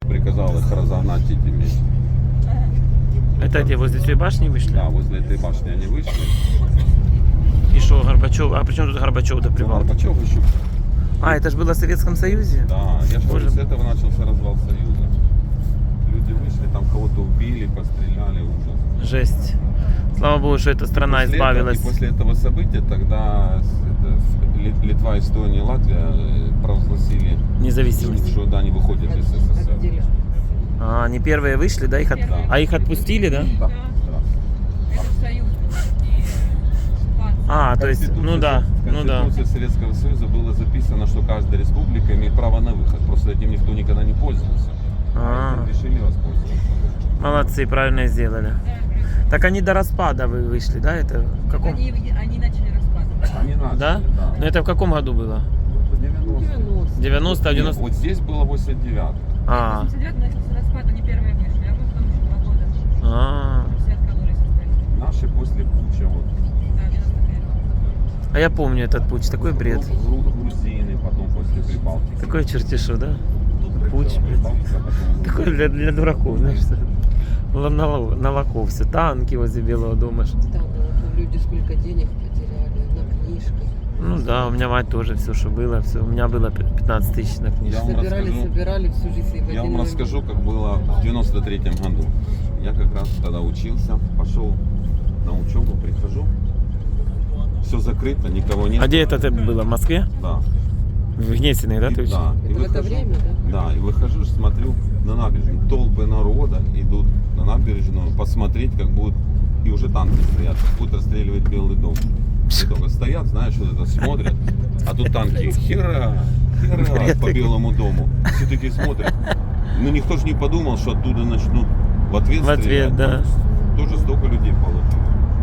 приказал их разогнать этими. Это где, возле той башни вышли? Да, возле этой башни они вышли. И что, Горбачев? А при чем тут Горбачев до Ну, Прибалтики? Горбачев еще. А, это же было в Советском Союзе? Да, я же Боже. говорю, с этого начался развал Союза. Люди вышли, там кого-то убили, постреляли, ужас. Жесть. Слава Богу, что эта страна После избавилась. этого, и после этого события тогда Литва, Эстония, Латвия провозгласили, Независимость. что да, они выходят из СССР. А, они первые вышли, да? Да. А их отпустили, да? Да. А, то есть, ну да, В ну да. Конституции Советского Союза было записано, что каждая республика имеет право на выход. Просто этим никто никогда не пользовался. А этим решили воспользоваться. Молодцы, правильно сделали. Так они до распада вы вышли, да? Это в каком? Они начали распад. Они начали, Да? Ну это в каком году было? 90. 90, Нет, 90? вот здесь было 89. А, 89 начался распад, они первые вышли, а мы потом еще 2 года. а. Все откололись остались. Наши после Буча, вот. Да, 91. А я помню этот путь, такой бред. Грузины, потом после Прибалтики. Такой чертишу, да? Путь. Прибалтика, потом... Такой для дураков, знаешь, что? На лохов все, танки возле Белого дома. Да, ну, люди сколько денег потеряли на книжках. Ну да, у меня мать тоже все, что было, все. У меня было 15 тысяч на книжку. Я вам Собирали всю жизнь. и в Я один вам момент. расскажу, как было в 93-м году. Я как раз тогда учился, пошел на учебу, прихожу, все закрыто, никого нет. А где это было? В Москве? Да. В Гнесиной, да, ты учишь? Да. И Это в это выхожу, время, да? Да, и выхожу, смотрю на набережную. Толпы народа идут на набережную посмотреть, как будут, и уже танки стоят, как будут расстреливать Белый дом. И только стоят, знаешь, вот это смотрят, а тут танки хера по Белому дому. Все такие смотрят. Ну никто же не подумал, что оттуда начнут в ответ В ответ, стрелять. да. Тоже столько людей получилось.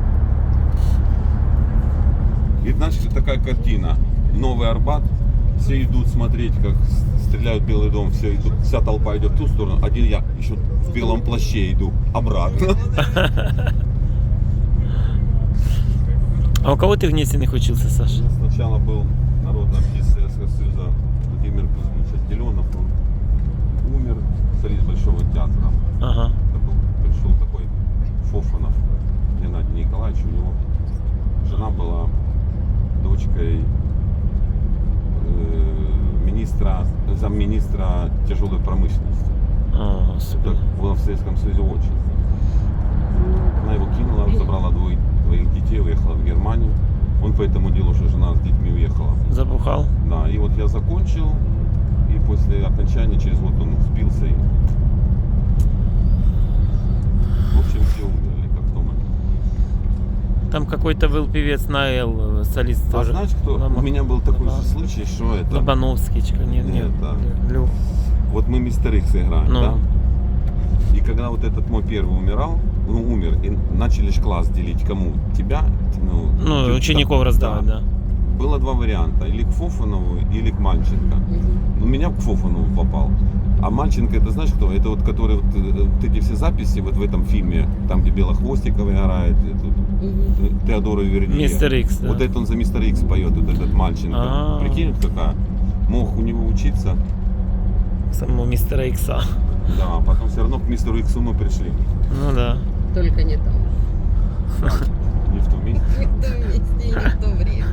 И значит такая картина. Новый Арбат. Все идут смотреть, как стреляют в Белый дом, все идут, вся толпа идет в ту сторону, один я еще в белом плаще иду обратно. А у кого ты в Гнесиных учился, Саша? Сначала был народный артист Советского Союза Владимир Кузьмич Отделенов, он умер, солист Большого театра. Ага. Пришел такой Фофанов Геннадий Николаевич, у него жена была дочкой замминистра тяжелой промышленности. А, супер. Так было в Советском Союзе очень. Она его кинула, забрала двоих детей, уехала в Германию. Он по этому делу уже жена с детьми уехала. Запухал? Да, и вот я закончил, и после окончания через год он спился. И... В общем, все умерли, как в том. Там какой-то был певец Наэл, солист А тоже. знаешь, кто? У меня был такой же случай, что это... Лобановский, нет, Нет, да. Лю. Вот мы Мистер Икс играем, Ну. да? И когда вот этот мой первый умер, и начали ж класс делить кому? Тебя? Ну, ты- учеников раздавать, да. Было два варианта, или к Фофанову, или к Мальченко. Ну, меня к Фофанову попал. А Мальченко, это знаешь кто? Это вот который вот эти все записи вот в этом фильме, там где Белохвостикова играет, Теодора Вердия. Мистер Икс, да. Вот это он за Мистер Икс поет, вот этот Мальченко. А. Прикинь, вот какая. Мог у него учиться. Самого мистера Икса. Да, потом все равно к мистеру Иксу мы пришли. Ну да. Только не там. Не в том месте. Не в том месте и не в то время.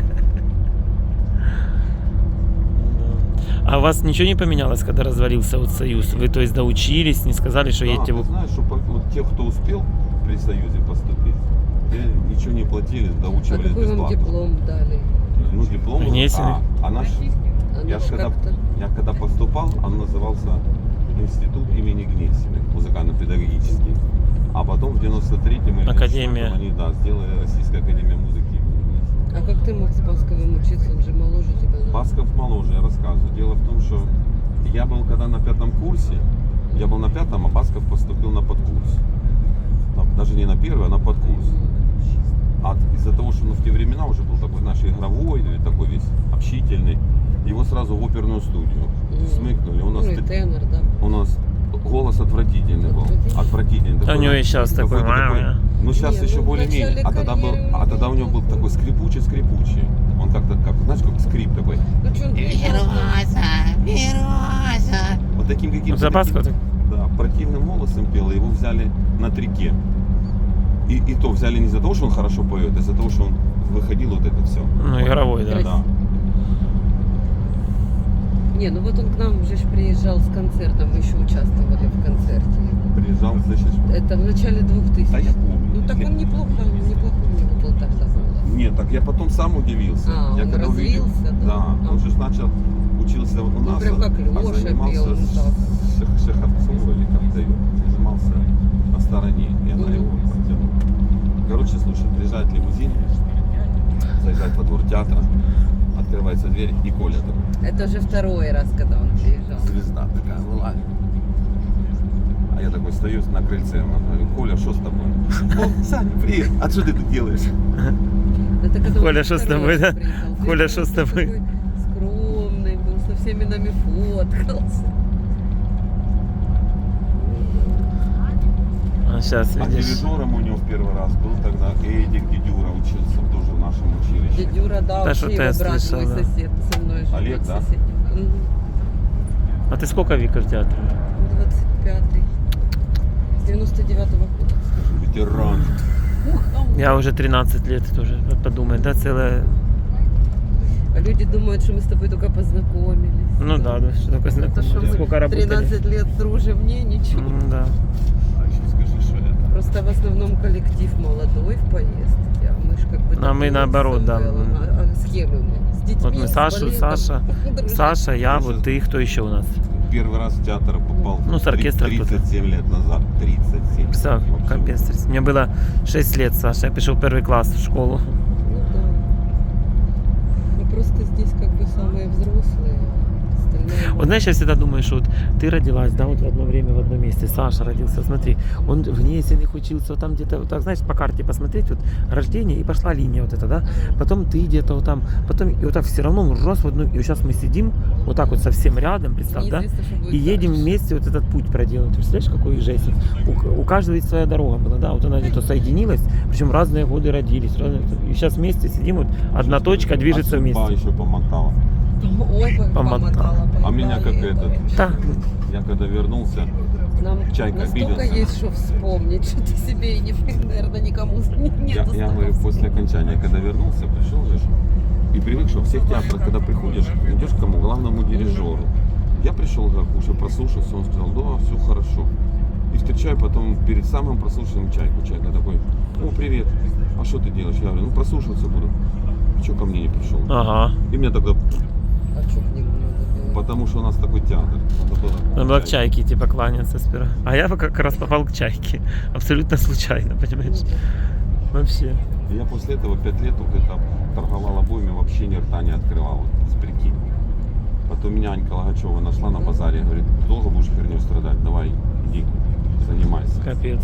А у вас ничего не поменялось, когда развалился вот Союз? Вы, то есть, доучились, не сказали, что Да, едете ты в... знаешь, что вот тех, кто успел при Союзе поступить, те ничего не платили, А доучивались какой вам бесплатно. диплом дали? Ну, диплом. Внесенный. А наш, А я наш когда, как-то? я когда поступал, он назывался Институт имени Гнесиных, музыкально-педагогический. А потом в 93-м или Академия. 94-м они, да, сделали Российская академия музыки имени Гнесиных. А как ты мог с Басковым учиться? Он же моложе тебя. наверное. Басков моложе, я рассказываю. Дело в том, что я был когда на 5-м курсе, я был на 5-м, а Басков поступил на подкурс. Даже не на первый, а на подкурс. А из-за того, что в те времена уже был такой, знаешь, игровой, такой весь общительный, его сразу в оперную студию смыкнули. Ну и тенор, да. У нас голос отвратительный был. Отвратительный. А у него и сейчас такой... Какой-то ну сейчас Не, еще ну, в более-менее. начале карьеры А тогда у него был такой скрипучий. Он как-то, знаешь, как скрип такой. Ну что он Вот Вот таким каким-то... Запаску? таким, да, противным голосом пел, и его взяли на трике. И то взяли не из-за того, что он хорошо поет, а из-за того, что он выходил вот это все. Ну, игровой, да. Да. Не, ну вот он к нам уже ж приезжал с концертом, мы еще участвовали в концерте. Приезжал, значит... Это в начале 2000. Да я помню. Ну так он неплохо у него был тогда голос. Нет, так я потом сам удивился. А, я он когда увидел, развился, да? Да, он же начал учился у нас, прям как Лёша занимался пел, с так. Шеховцом или как-то занимался на стороне, и она Мгм. его подтянула. Короче, слушай, приезжает лимузин, заезжает во двор театра, открывается дверь, и Коля такой, Это уже второй раз, когда он приезжал. звезда такая, вылазит. А я такой стою на крыльце, я говорю, Коля, что с тобой? О, Саня, привет, а что ты тут делаешь? Это когда он Коля, уже что с второй тобой, раз да? приезжал. Коля, Ты что с тобой? такой скромный был, со всеми нами фоткался. А сейчас, А видишь. дирижером у него в первый раз был тогда Эдик Дедюра, учился тоже в нашем училище. Дядюра, да, Да, вообще что-то я его брат, слышал, мой да. сосед, со мной живет. Олег, да? Сосед. Мгм. А ты сколько, Вика, в театре? 25-й. С 99-го года. Ветеран. Я уже 13 лет тоже, подумай, да, целая... А люди думают, что мы с тобой только познакомились. Ну да, что такое Это что знакомый. Сколько мы работали. 13 лет дружим, не, ничего. Да. А еще скажи, что это? Просто в основном коллектив молодой в поездке, а мы ж как бы... А мы такие наоборот, с да. Самвелом. А с кем мы? С детьми, Вот мы с Саша, балетом? Саша, Дружим. Саша, я, вот ты, кто еще у нас? Первый раз в театр попал Ну, с оркестром 37 лет назад. 37. Все, Вообще. капец. Мне было 6 лет, Саша, я пришел в первый класс в школу. Ну да. Мы просто здесь как бы самые взрослые. Остальные... Вот знаешь, я всегда думаю, что вот ты родилась, да, вот в одно время, в одном месте, Саша родился, смотри, он в Гнесиных учился, вот там где-то, вот так, знаешь, по карте посмотреть, вот рождение, и пошла линия вот эта, да, потом ты где-то вот там, потом, и вот так все равно он рос в одну, и вот сейчас мы сидим, вот так вот совсем рядом, представь, да, Неизвестно, что будет и едем дальше. вместе вот этот путь проделать. Ты представляешь, какой жесть? У каждого есть своя дорога была, да, вот она где-то соединилась, причем разные годы родились, и сейчас вместе сидим, вот одна точка движется А судьба вместе. еще помогала. Ой, как Помотала. помотала. А меня как поехали. этот. Да. Я когда вернулся, Нам Чайка настолько обиделся. есть, что вспомнить, что ты себе и не, наверное, никому нет. я говорю, после окончания, когда вернулся, пришел же, и привык, что в всех театрах, когда приходишь, идешь к кому? Главному дирижеру. Я пришел, как уже прослушался, он сказал, да, все хорошо. И встречаю потом перед самым прослушиванием Чайку. Чайка такой, о, привет, а что ты делаешь? Я говорю, ну прослушиваться буду. Че ко мне не пришел? Ага. И мне тогда, А что к нему надо было? потому что у нас такой театр. Надо было Надо было к Чайке типа кланяться сперва. А я как раз попал к Чайке. Абсолютно случайно, понимаешь? Вообще. И я после этого 5 лет вот это торговал обоями, вообще ни рта не открывал, вот, с прикинь. Потом меня Анька Логачева нашла на базаре, говорит, долго будешь херней страдать, давай, иди, занимайся. Капец.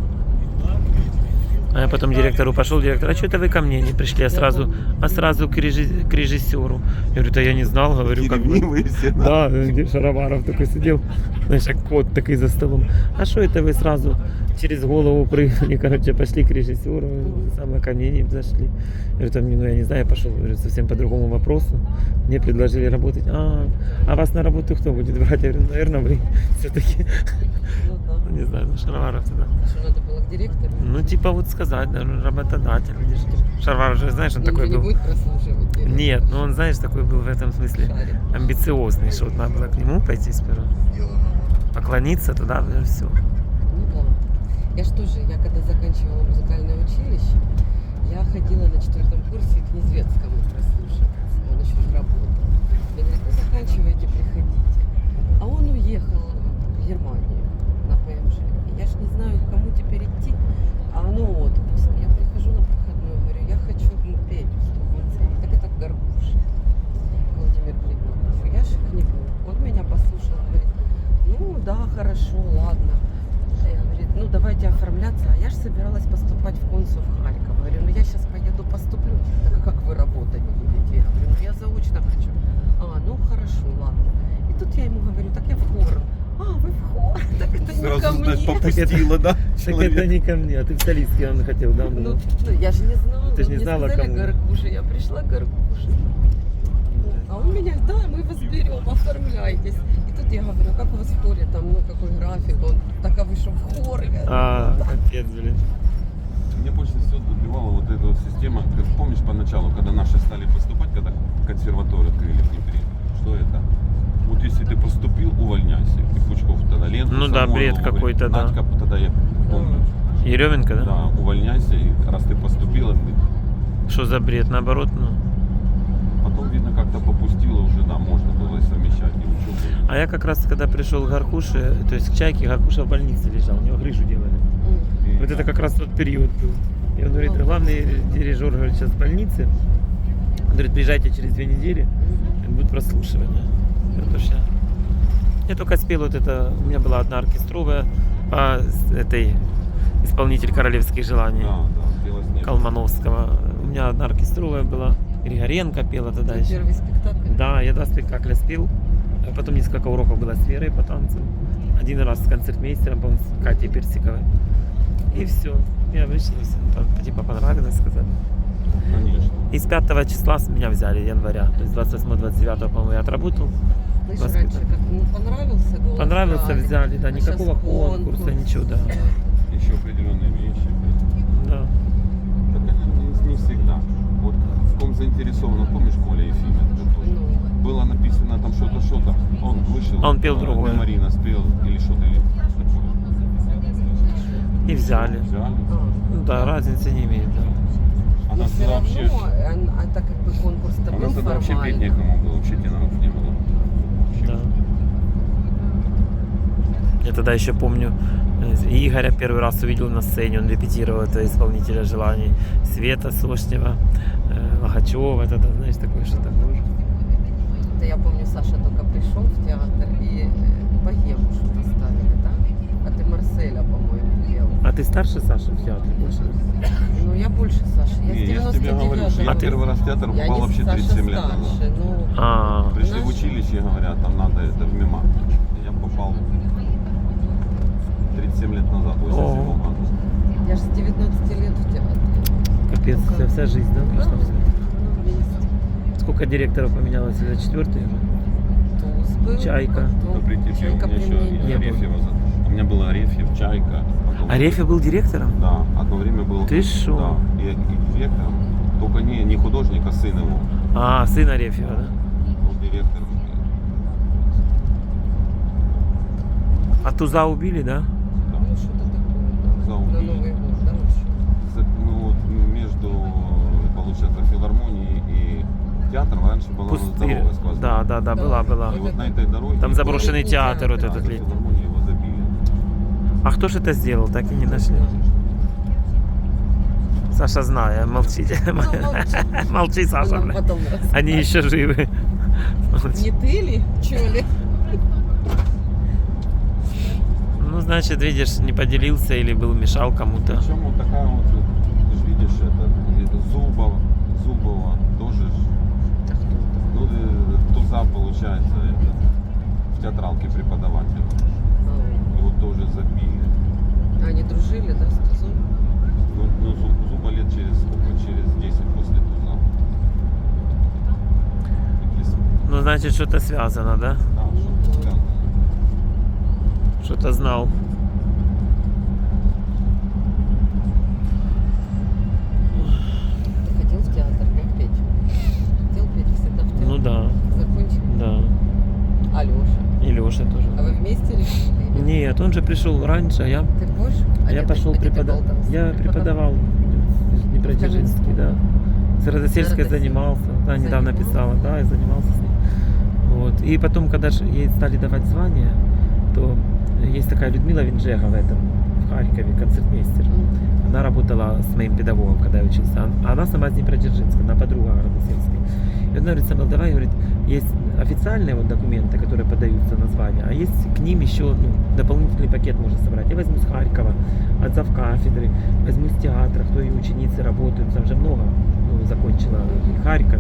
А я потом директору пошел, директор, а что это вы ко мне не пришли, а сразу к режиссеру. Я говорю, да я не знал, говорю, как бы. Ревнивые все, да? Да, где Шароваров такой сидел, знаешь, как кот такой за столом. А что это вы сразу через голову прыгнули, короче, пошли к режиссеру, самое ко мне не зашли. Я говорю, там, ну я не знаю, я пошел говорю, совсем по другому вопросу. Мне предложили работать. А вас на работу кто будет брать? Я говорю, наверное, вы все-таки. Ну да. Не знаю, ну Шароваров тогда. Что надо было к директору? Ну, типа вот сказать, да, ну, работодатель. Видишь, Шароваров же, знаешь, он Он такой же не был. будет прослушивать. директора. Нет, ну он, знаешь, такой был в этом смысле Шарит. амбициозный, что вот надо было к нему пойти сперва, поклониться туда, и все. Ну да. Я ж тоже, я когда заканчивала музыкальное училище, я ходила на 4-м курсе к Незвецкому прослушиваться. Он еще работал. Мне говорят, ну заканчивайте, приходите. А он уехал в Германию на ПМЖ. И я ж не знаю, к кому теперь идти, а оно отпуск. Я прихожу на проходную, говорю, я хочу петь в Стокгольме. Так это Горбуша. Владимир Плетнев. Я же к нему. Он меня послушал, говорит, ну да, хорошо, ладно. Я говорю, ну давайте оформляться. А я же собиралась поступать в консул в Харьков. Говорю, ну я сейчас поеду поступлю. Так а как вы работать будете? Я говорю, ну я заочно хочу. А, ну хорошо, ладно. И тут я ему говорю, так я в хор. А, вы в хор? Так это не ко Сразу, знаешь, мне. попустила, да? Так это не ко мне, а ты в солистке он хотел, да? он Ну, думал? я же не знала. Ты ж не Мне знала, сказали кому. Горбуша, я пришла к Горбуше. А он меня, да, мы вас берем, оформляйтесь. И Тут я говорю, как у вас в хоре, там, ну, какой график, он так вышел в хор. Капец, блин. Мне больше всего добивала вот эта вот система. Как помнишь поначалу, когда наши стали поступать, когда консерваторию открыли в Днепре? Что это? Вот если ты поступил, увольняйся. И Пучков тогда ленту Ну да, Самойлову бред говорит, какой-то, да. Надька тогда я помню. Еременко, да? Да, увольняйся, и раз ты поступила, Что за бред? Наоборот, ну. потом, видно, как-то попустило уже, да, можно было и совмещать, и учебу. А я как раз, когда пришел к Гаркуше, то есть к Чайке, Гаркуша в больнице лежал, у него грыжу делали. И, Вот это как раз тот период был. И он говорит, главный дирижер, говорит, сейчас в больнице. Он говорит, приезжайте через 2 недели, будет прослушивание. Это ж я только спел вот это, у меня была одна оркестровая по этой исполнитель королевских желаний Да, да, Белоснежка. Колмановского. У меня одна оркестровая была, Григоренко пела тогда еще. Первый спектакль. Да, я 2 спектакля спел. А потом несколько уроков было с Верой по танцам. Один раз с концертмейстером, по-моему, с Катей Персиковой. И все. Я вышла, и всем типа понравилось, сказали. Конечно. И с 5 числа меня взяли, января. То есть 28-29, по-моему, я отработал. Слышь, Воспитан. раньше как понравился голос. Понравился, брали. взяли, да, А никакого щас конкурса, ничего, да. Еще определенные вещи. Да. Так это не всегда. Вот в ком заинтересован, помнишь, Коля Ефимов? Вот тоже. Ну, Было написано там что-то, он вышел. Он пел другое. Марина спел или что-то или такое. И взяли. Взяли. Ну да, разницы не имеет, да. Она но все тогда равно, вообще, так как бы конкурс-то она был тогда вообще петь формальный. некому было, вообще теноров не было. Вообще. Да. Я тогда еще помню, Игоря первый раз увидел на сцене, он репетировал это исполнителя желаний. Света Сошнева, Логачева, тогда, знаешь, такое что-то было. Это я помню, Саша только пришел в театр и богему что-то ставили, да? А ты Марселя, по-моему, пел. А ты старше Саши в театре больше? Ну, я больше Саши. Я Не, я с же тебе говорю, что 99-го. я А ты- первый раз в театр Я попал не вообще Саша 37 лет старше, назад. ну, А, Пришли в Знаешь- училище, говорят, там надо это в МИМА. Я попал 37 лет назад, 87 О. году. я же с 19 лет в театре. капец, вся жизнь, да, прошла? Ну, вместе. Сколько директоров поменялось? Это 4-й уже? Туз был, Чайка. потом Добрый день, Чайка у меня при еще мне и не было. Арефьева. У меня был Арефьев, Чайка. потом- Арефьев был директором? Да, одно время был. Ты шо? Да, и директором. Только не художник, а сын его А, сын Арефьева, да? был директором. А Туза убили, да? Да. Ну, что-то такое, да. Заубили. На Новый год, да, вообще. Ну, вот между, получается, филармонией и театром раньше была Пустырь. дорога сквозная. Да, была. И вот на этой дороге... Там заброшенный Летний театр вот театр. этот Да, летний. филармонию его забили. А кто же это сделал, так и не нашли? Саша знает, молчите. молчи. Молчи, Саша. Нам бля. потом Они еще живы. Не ты ли? Чё ли? Ну, значит, видишь, не поделился или был мешал кому-то. Причем вот такая вот, ты же видишь, это Зубова тоже, ну, Туза, получается, в театралке преподаватель. Его тоже забили. Они дружили, да, с Тузом? Ну, Зуба лет через сколько? Через 10 после Туза. Ну, значит, что-то связано, да? Да, что-то связано. Что-то знал. Ты ходил в театр, да, петь? Хотел петь всегда в театр? Ну да, Закончил? да. А Леша? И Леша тоже. А вы вместе решили? или Нет, он же пришел раньше, а я, Ты позже? я пошел преподавать. Я преподавал в Днепродзержинске, да. С Радосельской занимался. Да, недавно Занимался? писала, да, и занимался с ней. Вот. И потом, когда же ей стали давать звания, то есть такая Людмила Винжега в этом, в Харькове, концертмейстер. Она работала с моим педагогом, когда я учился. Она сама из Днепродзержинска, она подруга Радосельской. И она говорит, Самвел, давай, говорит, есть официальные вот документы, которые подаются на звание, а есть к ним еще дополнительный пакет можно собрать. Я возьму с Харькова, от завкафедры, возьму с театра, кто и ученицы работают, там же много, закончила и Харьков,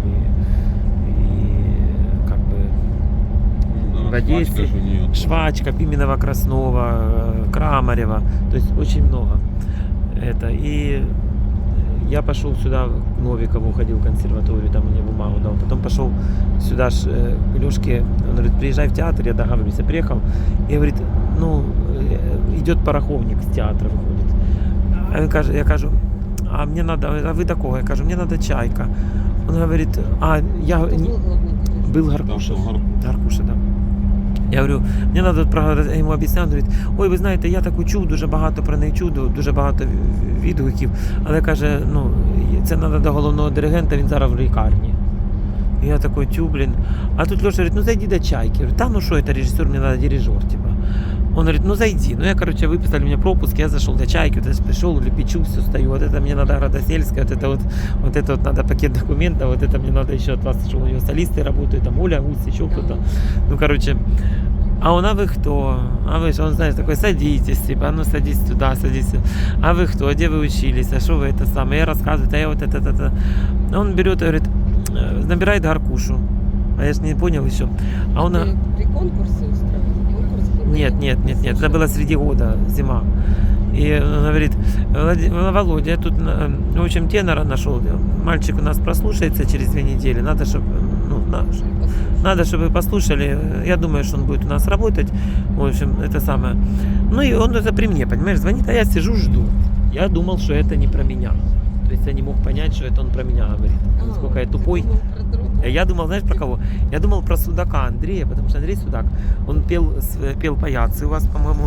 и как бы Ну, в да, Одессе, Швачка же у нее. Швачка, Пименова, Краснова, Крамарева, то есть очень много. Это. И я пошел сюда, к Новикову ходил в консерваторию, там мне бумагу дал. Потом пошел сюда к Лешке, он говорит, приезжай в театр, я договорюсь. Я приехал, и говорит, ну, идет пороховник с театра выходит. А він каже, я кажу, а мне надо, а вы до кого? Я кажу, мне надо чайка. Он говорит, а я Кто был главный дирижер? был Гаркуша. Там, Гаркуша, да. Я говорю, мені треба, я йому об'ясняв, він говорить, ой, ви знаєте, я таку чув, дуже багато про неї чув, дуже багато відгуків, але каже, ну, це треба до головного диригента, він зараз в лікарні. І я такой, тю, блін. А тут Леша говорит, ну зайди до чайки. Я говорю, та ну що, это режиссер, мне надо дирижер, типа. Он говорит, ну зайди. Ну я, короче, выписали мне пропуск, я зашел до чайки, вот я пришел, лепечу, все стою, вот это мне надо Градосельская, вот это вот надо пакет документов, вот это мне надо еще от вас, что у него солисты работают, там Оля, Гусь, еще кто-то. Ну, короче, а он, а вы кто? А вы что, он, знаешь, такой, садитесь, типа, ну садись сюда, садись сюда. А вы кто? Где вы учились? А что вы это самое? Я рассказываю, а я вот это. Он берет и говорит, набирает Гаркушу. А я ж не понял еще. А он... При конкурсе устраивали? Конкурс был? Нет, это было среди года, зима. И он говорит, Володя, я тут, в общем, тенора нашел. Мальчик у нас прослушается через 2 недели. Надо, чтобы, надо, чтобы вы послушали. Я думаю, что он будет у нас работать. В общем, это самое. Ну и он это при мне, понимаешь, звонит, а я сижу, жду. Я думал, что это не про меня. То есть я не мог понять, что это он про меня говорит. Насколько я тупой. Я думал, знаешь, про кого? Я думал про Судака Андрея, потому что Андрей Судак, он пел паяцы у вас, по-моему.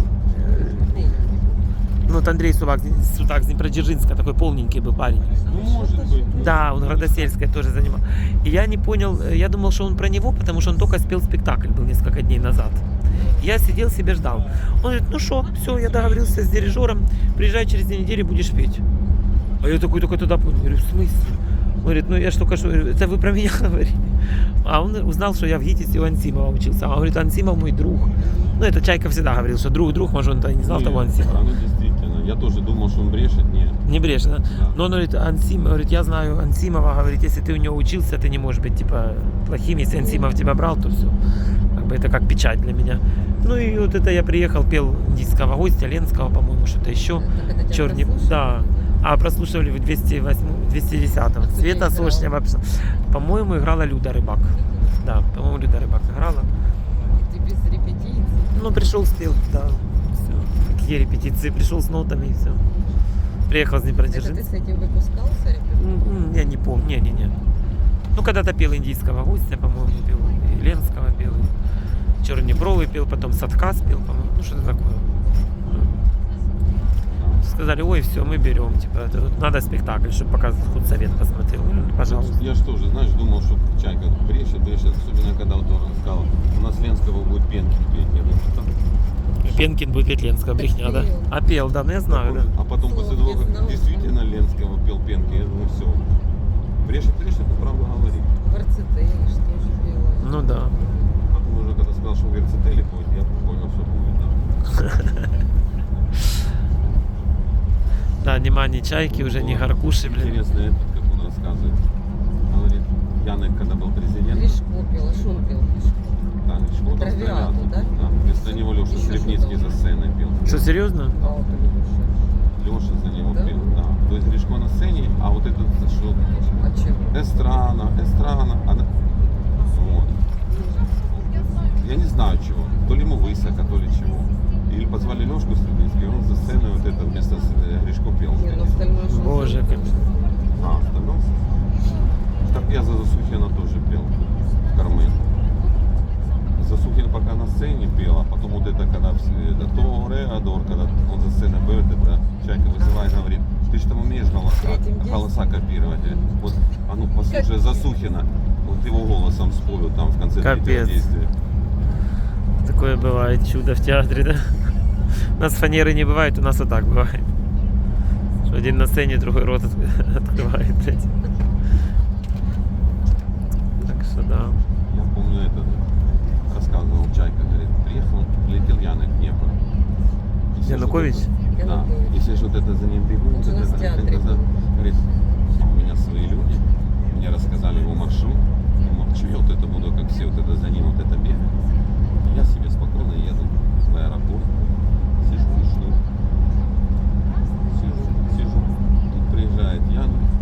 Ну, вот Андрей Судак с Днепродзержинска, такой полненький был парень. Ну, может быть. Да, он Градосельской тоже занимал. И я не понял, я думал, что он про него, потому что он только спел спектакль, был несколько дней назад. Я сидел себе ждал. Он говорит, ну что, все, я договорился с дирижером, приезжай через 2 недели, будешь петь. А я такой только туда понял, говорю, в смысле? Он говорит, ну я ж только что, это вы про меня говорили. А он узнал, что я в ГИТИСе у Ансимова учился. А он говорит, Ансимов мой друг. Ну это Чайка всегда говорил, что друг, может он-то не знал того Ансимова. Ну действительно, я тоже думал, что он брешет, нет. Не брешет, да? Да. Но он говорит, говорит, я знаю Ансимова, говорит, если ты у него учился, ты не можешь быть типа плохим, если Ансимов тебя брал, то все. Как бы это как печать для меня. Ну и вот это я приехал, пел индийского гостя, Ленского, по-моему, что-то еще. Черный, да. А прослушивали в 210-м. Света Сошнева. По-моему, играла Люда Рыбак. Да, по-моему, Люда Рыбак играла. И ты без репетиций? Ну, пришел, спел, да. Все. Какие репетиции? Пришел с нотами и все. Приехал с Это Днепродзержинска. ты с этим выпускался? Репетиций? Я не помню. Не. Ну, когда-то пел индийского гостя, по-моему, пел. И Ленского пел. И Чернебровый пел, потом Садка спел, по-моему. Ну, что-то такое. Сказали, ой, все, мы берем, типа, это вот надо спектакль, чтобы показывать, худсовет посмотрел. Ну, пожалуйста. Я же тоже, знаешь, думал, что Чайка брешет, особенно когда вот он сказал, у нас Ленского будет Пенкин петь. Я говорю, что там? Пенкин будет петь Ленского, брехня, да? Пел. А пел, да, ну я знаю, да. А потом после того, как действительно Ленского пел Пенкин, я думаю, все. Брешет, это правда говорит. В Арцетеле что же пела? Ну да. Потом уже когда сказал, что в Верцетеле ходит, я понял, что будет, да. Да, нема ни Чайки, уже ни Гаркуши, блин. Интересно, этот, как он рассказывает. Говорит, Янек, когда был президентом, Гришко пел, а что он пел? да, Гришко Травиату, да? Да, вместо него Леша Еще Скрипницкий что-то. за сценой пел. Что, серьезно? А вот он Леша за него Да? пел, да. То есть Гришко на сцене, а вот этот зашел. А чего? Эстрана. Вот. Я не знаю чего. То ли ему высоко, то ли чего. Или позвали Лешку Скрипницкий, он за сценой вот это вместо Гришко пел. Не, ну остальное что? Боже, как... А, остальное? Так я за Засухина тоже пел в Кармен. Засухин пока на сцене пел, а потом вот это, когда это Тореадор, когда он за сценой был, это Чайка вызывает, говорит, ты же там умеешь голоса копировать. Вот, а ну послушай Засухина, вот его голосом спою там в конце Капец. третьего действия. Такое бывает чудо в театре, да? У нас фанеры не бывает, у нас вот так бывает. Что один на сцене, другой рот открывает, блядь. Так что да. Я помню этот, рассказывал Чайка, говорит, приехал, летел Янек в Днепр. И все Янукович? что-то- Да, Янукович. если же вот это за ним бегут, Он же вот у нас это, в театре это, был. говорит, а у меня свои люди, мне рассказали его маршрут, я молчу, я вот это буду, как все, вот это за ним, вот это бегать. И я себе спокойно еду в аэропорт, сижу и жду. Сижу. Тут приезжает Ян,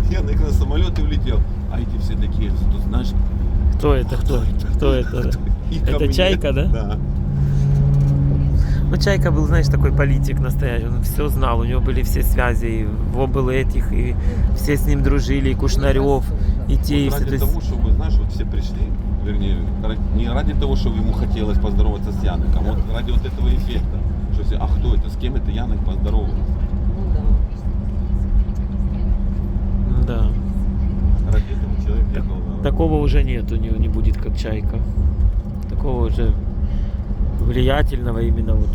Янок на самолет и улетел. А эти все такие, тут знаешь, Кто это? Кто это? и ко Это мне. Чайка, да? Да. Ну, Чайка был, знаешь, такой политик настоящий. Он все знал, у него были все связи. И в был этих, и все с ним дружили, и Кушнарев, и те, и Вот все. ради То есть- того, чтобы, знаешь, вот все пришли, вернее, не ради того, чтобы ему хотелось поздороваться с Яноком, а вот ради вот этого эффекта. Что все, а кто это, с кем это Янок поздоровался? Ну да. Да. Ради этого человек ехал на... Такого уже нет, у него не будет, как Чайка. Такого уже влиятельного именно вот.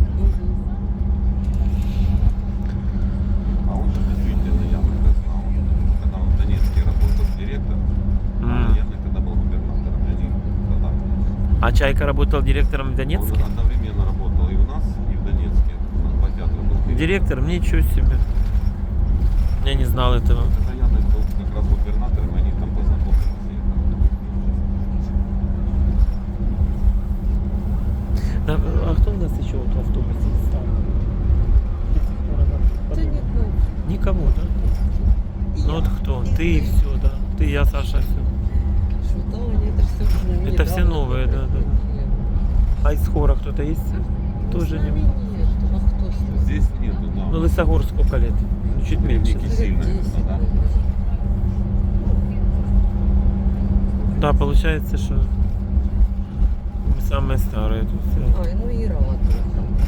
А он же действительно Янока знал. Когда он в Донецке работал директором, а Янок тогда был губернатором. И они тогда... А Чайка работал директором в Он Донецке? одновременно работал и у нас, и в Донецке. На два театра был Директором? Ничего себе. Я не знал этого. Когда Янок был как раз губернатором, они там познакомились. Да, а кто у нас еще вот в автобусе стал? Да никого. Никого, да? Ну вот кто? Ты и все, да. Ты, я, Саша, все. Что-то они это все Это все новые, да, да. А из хора кто-то есть? Тоже не. Нет, а кто с нами? Здесь нету, да. Ну, Лысогор сколько лет? Ну, чуть меньше. Ники сильно, да. Да, получается, что мы самые старые тут все. А, ну Ира ладно.